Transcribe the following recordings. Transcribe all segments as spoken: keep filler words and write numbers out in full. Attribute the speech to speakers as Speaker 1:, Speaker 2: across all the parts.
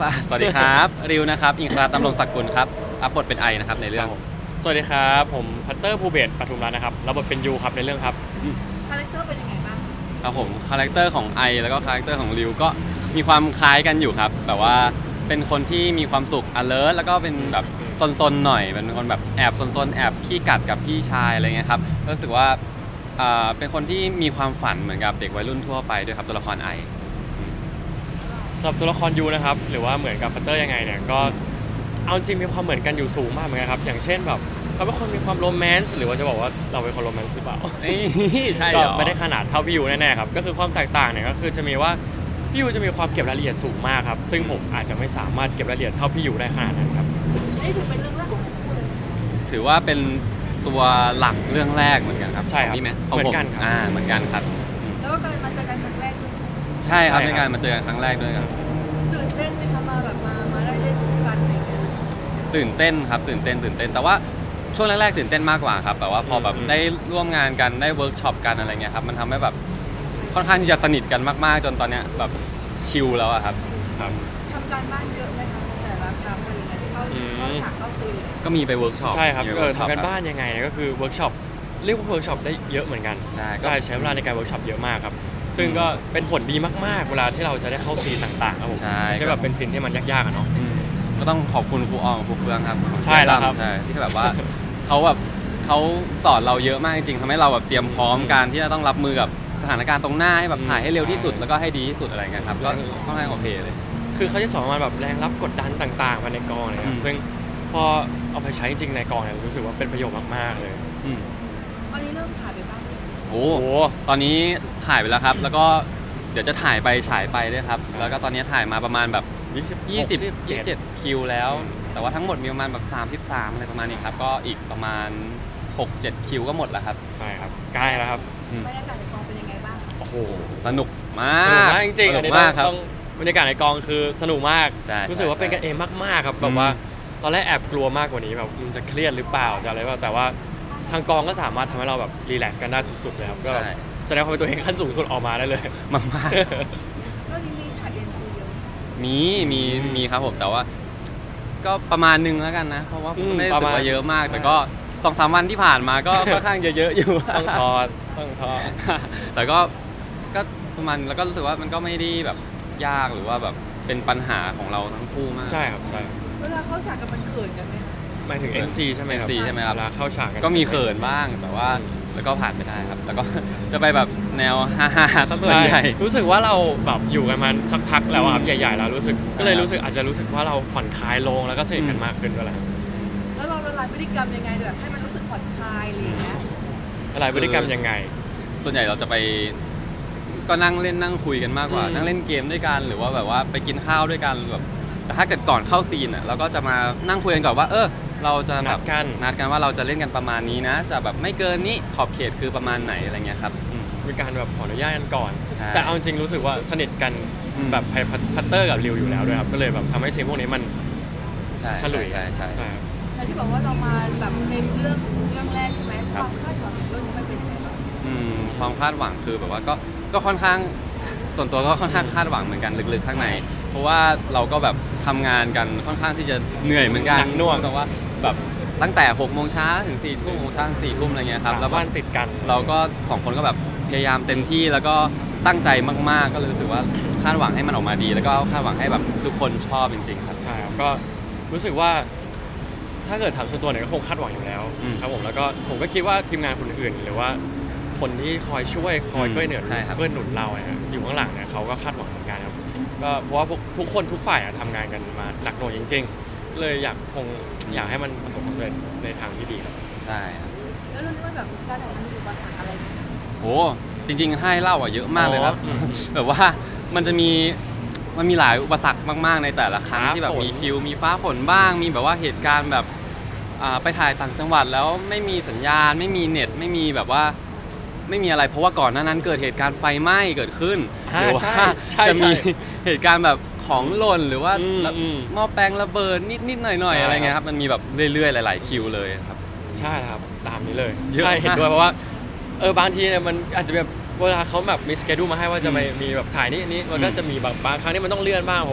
Speaker 1: สวัสดีครับริวนะครับอิงคราดำรงศักดิ์กุลครับรับบทเป็นไอนะครับในเรื่อง
Speaker 2: สวัสดีครับผมพัตเตอร์ภูเบศรปทุมรัตน์นะครับรับบทเป็นยูครับในเรื่องครับ
Speaker 3: คาแรคเตอร์เป็นยังไงบ้าง
Speaker 1: ครับผมคาแรคเตอร์ของไอแล้วก็คาแรคเตอร์ของริวก็มีความคล้ายกันอยู่ครับแบบว่าเป็นคนที่มีความสุข alert แล้วก็เป็นแบบซนๆหน่อยเป็นคนแบบแอบซนๆแอบขี้กัดกับพี่ชายอะไรเงี้ยครับรู้สึกว่าเป็นคนที่มีความฝันเหมือนกับเด็กวัยรุ่นทั่วไปด้วยครับตัวละครไอ
Speaker 2: สำหรับตัวละครยูนะครับหรือว่าเหมือนกับพัตเตอร์ยังไงเนี่ยก็เอาจริงมีความเหมือนกันอยู่สูงมากเหมือนกันครับอย่างเช่นแบบเขาเป็นคนมีความโรแมนต์หรือว่าจะบอกว่าเราเป็นคนโรแมนต์หรือเปล่า
Speaker 1: ใช่
Speaker 2: ก็ไม่ได้ขนาดเท่าพี่ยูแน่ๆครับก็คือความแตกต่างเนี่ยก็คือจะมีว่าพี่ยูจะมีความเก็บรายละเอียดสูงมากครับซึ่งผมอาจจะไม่สามารถเก็บรายละเอียดเท่าพี่ยูได้ขนาดนั้นครับ
Speaker 3: นี่ถือเป็นเรื่องแรกของคู่เลย
Speaker 1: ถือว่าเป็นตัวหลักเรื่องแรกเหมือนกันครับ
Speaker 2: ใช่ครับ
Speaker 1: นี่ไหม
Speaker 2: เหมือนกันครับ
Speaker 1: อ่าเหมือนกันครับ
Speaker 3: แล้วก็การมาเจอกันครั้งแรกด้วย
Speaker 1: ใช่ครับในการมาเจอกันครั้งแรกด้วยครับ
Speaker 3: ตื่นเต้นไหมคะมาแบบมามาได้เล่นคู่กันอะไรเงี้ย
Speaker 1: ตื่นเต้นครับตื่นเต้นตื่นเต้นแต่ว่าช่วงแรกๆตื่นเต้นมากกว่าครับแต่ว่าพอแบบได้ร่วมงานกันได้เวิร์กช็อปกันอะไรเงี้ยครับมันทำให้แบบค่อนข้างที่จะสนิทกันมากๆจนตอนเนี้ยแบบชิลแล้วอะครับ
Speaker 2: ครับ
Speaker 3: ทำการบ้านเยอะไหมคะแต่ละครั้งอะไรเงี้ยที่เข้าเข้าฉากเข้าซีน
Speaker 1: ก็มีไปเวิร์กช็อป
Speaker 2: ใช่ครับเออทำการบ้านยังไงเนี่ยก็คือเวิร์กช็อปเรียกว่าเวิร์กช็อปได้เยอะเหมือนกัน
Speaker 1: ใช่
Speaker 2: ใช่ใช้เวลาในการเวิร์กช็อปเยอะมากครับซึ่งก็เป็นผลดีมากๆเวลาที่เราจะได้เข้าซีนต่างๆครับผมไม่ใช่แบบเป็นซีนที่มันยากๆอะเนาะ
Speaker 1: ก็ต้องขอบคุณครูอองครูเฟืองครับ
Speaker 2: ใช่แล้วครับ
Speaker 1: ที่แบบว่าเขาแบบเขาสอนเราเยอะมากจริงๆทำให้เราแบบเตรียมพร้อมการที่จะต้องรับมือกับสถานการณ์ตรงหน้าให้แบบถ่ายให้เร็วที่สุดแล้วก็ให้ดีที่สุดอะไรเงี้ยครับก็ค่อนข้างโอเคเลย
Speaker 2: คือเขาจะสอนมาแบบแรงรับกดดันต่างๆมาในกองเลยครับซึ่งพอเอาไปใช้จริงในกองเนี่ยรู้สึกว่าเป็นประโยชน์มากๆเลย
Speaker 3: ตอนนี้เริ่มถ่ายไปบ้าง
Speaker 1: โอ้ตอนนี้ถ่ายไปแล้วครับแล้วก็เดี๋ยวจะถ่ายไปฉายไปด้วยครับแล้วก็ตอนนี้ถ่ายมาประมาณแบบยี่สิบ ยี่สิบเจ็ดคิวแล้วแต่ว่าทั้งหมดมีประมาณแบบสามสิบสามอะไรประมาณนี้ครับก็อีกประมาณหก เจ็ดคิวก็หมดแล้วครับ
Speaker 2: ใช่ครับใกล้แล้วครับ
Speaker 3: บรรยากาศในกองเป็นยังไงบ้าง
Speaker 2: โอ้โห
Speaker 1: สนุกมาก
Speaker 2: สนุกมากจริงๆอันนี้ต้องบรรยากาศในกองคือสนุกมากรู้สึกว่าเป็นกันเองมากๆครับแบบว่าตอนแรกแอบกลัวมากกว่านี้แบบมันจะเครียดหรือเปล่าจะอะไรแบบแต่ว่าทางกองก็สามารถทำให้เราแบบรีแลกซ์กันได้สุดๆเลยครับก็แสดงความเป็นตัวเองขั้นสูงสุดออกมาได้เลย
Speaker 1: มากๆ
Speaker 3: แล้วนี้มีฉากเอ็นซีเยอะ
Speaker 1: มีมีมีครับผมแต่ว่าก็ประมาณนึงแล้วกันนะเพราะว่าไม่ได้รู้สึกว่าเยอะมากแต่ก็สองสามวันที่ผ่านมาก็ค่อนข้างเยอะๆอยู่
Speaker 2: ต้องทอดต้องทอด
Speaker 1: แต่ก็ก็ประมาณแล้วก็รู้สึกว่ามันก็ไม่ได้แบบยากหรือว่าแบบเป็นปัญหาของเราทั้งคู่มาก
Speaker 2: ใช่ครับใช่
Speaker 3: เวลาเข้าฉากกันมันเขินกันไหม
Speaker 2: หมายถึง เอ็น ซี ใช่ไหมครับ
Speaker 1: เอ็น ซี ใช่ไหมครับ
Speaker 2: เวลาเข้าฉากกัน
Speaker 1: ก็มีเขินบ้างแต่ว่าแล้วก็ผ่านไปได้ครับแล้วก็จะไปแบบแนวฮ่าๆสักส่วนใหญ่
Speaker 2: รู้สึกว่าเราแบบอยู่กันมาสักพักแล้วครับใหญ่ๆแล้วรู้สึกก็เลยรู้สึกอาจจะรู้สึกว่าเราผ่อนคลายลงแล้วก็สนิทกันมากขึ้นด้วยแหละ
Speaker 3: แล้วเราละลายพฤติกรรมยังไงแบบให้มันรู้สึกผ่อนคลายอะไรอย่างเงี้ย
Speaker 2: ละลายพฤติกรรมยังไง
Speaker 1: ส่วนใหญ่เราจะไปก็นั่งเล่นนั่งคุยกันมากกว่านั่งเล่นเกมด้วยกันหรือว่าแบบว่าไปกินข้าวด้วยกันแบบแต่ถ้าเกิดก่อนเข้าซีนอ่ะเราก็จะมานั่งคุยกันก่อนว่าเออเราจะ
Speaker 2: นัดกัน
Speaker 1: นัดกันว่าเราจะเล่นกันประมาณนี้นะจะแบบไม่เกินนี้ขอบเขตคือประมาณไหนอะไรเงี้ยครับ
Speaker 2: มีการแบบขออนุญาตกันก่อนแต่เอาจริงรู้สึกว่าสนิทกันแบบพัตเตอร์กับริวอยู่แล้วด้วยครับก็เลยแบบทำให้ซีนพวกนี้มันฉลุย
Speaker 1: ใช่ใช่ใช่
Speaker 3: แต่ที่บอกว่าเรามาแบบในเรื่องเรื่องแรกใช่ไหมความคาดหวังเรื่องนี้มันเป็นยังไงบ้าง
Speaker 1: ความคาดหวังคือแบบว่าก็ก็ค่อนข้างส่วนตัวก็ค่อนข้างคาดหวังเหมือนกันลึกๆข้างในเพราะว่าเราก็แบบทำงานกันค่อนข้างที่จะเหนื่อยเหมือนกัน
Speaker 2: น่วง
Speaker 1: แต่ว่าแบบตั้งแต่หกโมงเช้าถึงสี่ทุ่มโมงเช้าถึงสี่ทุ่มอะไรเงี้ยครับ
Speaker 2: แล้วบ้านติดกัน
Speaker 1: เราก็สองคนก็แบบพยายามเต็มที่แล้วก็ตั้งใจมากๆก็เลยรู้สึกว่าคาดหวังให้มันออกมาดีแล้วก็คาดหวังให้แบบทุกคนชอบจริงๆครับ
Speaker 2: ใช่ครับก็รู้สึกว่าถ้าเกิดถามส่วนตัวเนี่ยก็คงคาดหวังอยู่แล้วครับผมแล้วก็ผมก็คิดว่าทีมงานคนอื่นหรือว่าคนที่คอยช่วยคอยช่วยเหนือเพื่อหนุนเราเนี่ยอยู่ข้างหลังเนี่ยเขาก็คาดหวังเหมือนกันครับก็เพราะว่าทุกคนทุกฝ่ายทำงานกันมาหนักหน่วงจริงๆเลยอยากคงอยากให้มันประสบความสำเร็จในทางที่ดีครับ
Speaker 1: ใช่ครับ
Speaker 3: แล้วเรื่องนี้แบบการถ่ายทำมีอุปสรรคอะไร
Speaker 1: โอ้จริงๆให้เล่าอ่ะเยอะมากเลยครับแบบว่ามันจะมีมันมีหลายอุปสรรคมากๆในแต่ละครั้งที่แบบมีคิวมีฟ้าฝนบ้างมีแบบว่าเหตุการณ์แบบไปถ่ายต่างจังหวัดแล้วไม่มีสัญญาณไม่มีเน็ตไม่มีแบบว่าไม่มีอะไรเพราะว่าก่อนหน้านั้นเกิดเหตุการณ์ไฟไหม้เกิดขึ้นหรือว่าจะมีเหตุการณ์แบบของหล่นหรือว่าหม้อแปลงระเบิดนิดๆหน่อยๆอะไรเงี้ยครับมันมีแบบเรื่อยๆหลายๆคิวเลยครับ
Speaker 2: ใช่ครับตามนี้เลยใช่เห็นด้วยเพราะว่าเออบางทีเนี่ยมันอาจจะแบบเวลาเขาแบบมีสเกดูมาให้ว่าจะมีแบบถ่ายนี่นี้มันก็จะมีแบบบางครั้งที่มันต้องเลื่อนบ้างเพราะว่า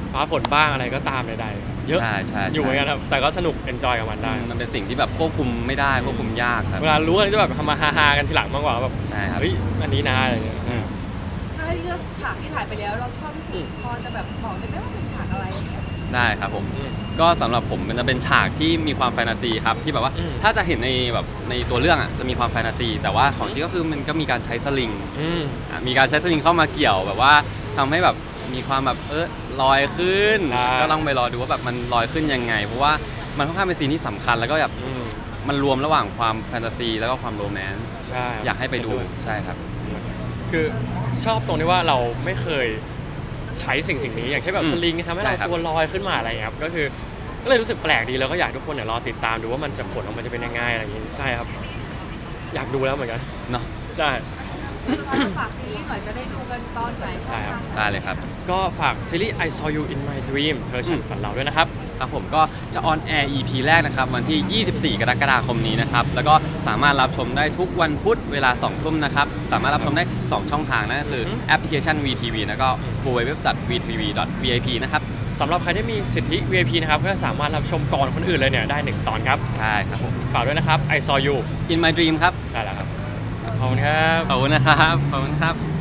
Speaker 2: ฟ้าฝนบ้างอะไรก็ตามใดๆเยอะ
Speaker 1: ใช่ใช่
Speaker 2: อยู่เหมือนกันครับแต่ก็สนุกเอนจอยกับมันได้
Speaker 1: มันเป็นสิ่งที่แบบควบคุมไม่ได้ควบคุมยากครับ
Speaker 2: เวลารู้กันจะแบบทำมาฮาๆกันทีหลังมากกว่าแบบ
Speaker 1: ใช่ครับ
Speaker 2: เฮ้ยอันนี้นะอะไรอย่างเงี้ย
Speaker 3: ถ้าให้เลือกฉากที่ถ่ายไปแล้วเราชอบที่สุดพอจะแบบบอกได้ไหมว่าเป็นฉากอะไรอย่างเงี้ย
Speaker 1: ได้ครับผม
Speaker 2: อืม
Speaker 1: ก็สำหรับผมมันจะเป็นฉากที่มีความแฟนตาซีครับที่แบบว่า
Speaker 2: อืม
Speaker 1: ถ้าจะเห็นในแบบในตัวเรื่องอ่ะจะมีความแฟนตาซี แต่ว่าของจริงก็คือมันก็มีการใช้สลิง
Speaker 2: อืม
Speaker 1: อ่ะมีการใช้สลิงเข้ามาเกี่ยวแบบว่าทำให้แบบมีความแบบเออลอยขึ้น
Speaker 2: ใช่
Speaker 1: ก็ต้องไปรอดูว่าแบบมันลอยขึ้นยังไง เพราะว่ามันค่อนข้างเป็นซีนที่สำคัญแล้วก็แบบ
Speaker 2: อืม
Speaker 1: มันรวมระหว่างความแฟนตาซีแล้วก็ความโรแมนต์
Speaker 2: ใช่
Speaker 1: อยากให้ไปดูใช่ครับ
Speaker 2: คือชอบตรงที่ว่าเราไม่เคยใช้สิ่งสิ่งนี้อย่างเช่นแบบ
Speaker 1: อืม
Speaker 2: สลิงทำให้
Speaker 1: ใช่
Speaker 2: เรา
Speaker 1: ครับ
Speaker 2: ตัวลอยขึ้นมาอะไรอย่างเงี้ยครับก็คือก็เลยรู้สึกแปลกดีแล้วก็อยากให้ทุกคนเนี่ยรอติดตามดูว่ามันจะผลออกมาจะเป็นยังไงอะไรอย่างงี้ใช่ครับ อยากดูแล้วเหมือนกัน
Speaker 1: เนาะ
Speaker 2: ใช่
Speaker 3: เราฝากซีรีส์หน่อยจะได้ดูกันตอนไหนช่อง
Speaker 2: ใช่ครับ
Speaker 3: ทางไหน
Speaker 1: ได้เลยครับ
Speaker 2: ก็ฝากซีรีส์ I Saw You in My Dream เธอฉันฝันเราด้วยนะครับ
Speaker 1: ครับผมก็จะออนแอร์ อี พี แรกนะครับ วันที่ ยี่สิบสี่ กรกฎาคมนี้นะครับ แล้วก็สามารถรับชมได้ทุกวันพุธเวลา สอง ทุ่มนะครับ สามารถรับชมได้ สอง ช่องทางนั่นก็คือ
Speaker 2: อือฮึ
Speaker 1: แอปพลิเคชัน วี ที วี แล้วก็ ดับเบิลยู ดับเบิลยู ดับเบิลยู ดอท วี ที วี ดอท วี ไอ พี นะครับ
Speaker 2: สำหรับใครที่มีสิทธิ วี ไอ พี นะครับก็สามารถรับชมก่อนคนอื่นเลยเนี่ยได้หนึ่งตอนครับ
Speaker 1: ใช่ครับผม
Speaker 2: ฝากด้วยนะครับ I Saw You
Speaker 1: In My Dream ครับ
Speaker 2: ใช่แล้วครับขอบคุณครับ
Speaker 1: ขอบคุณนะครับ ขอบคุณครับ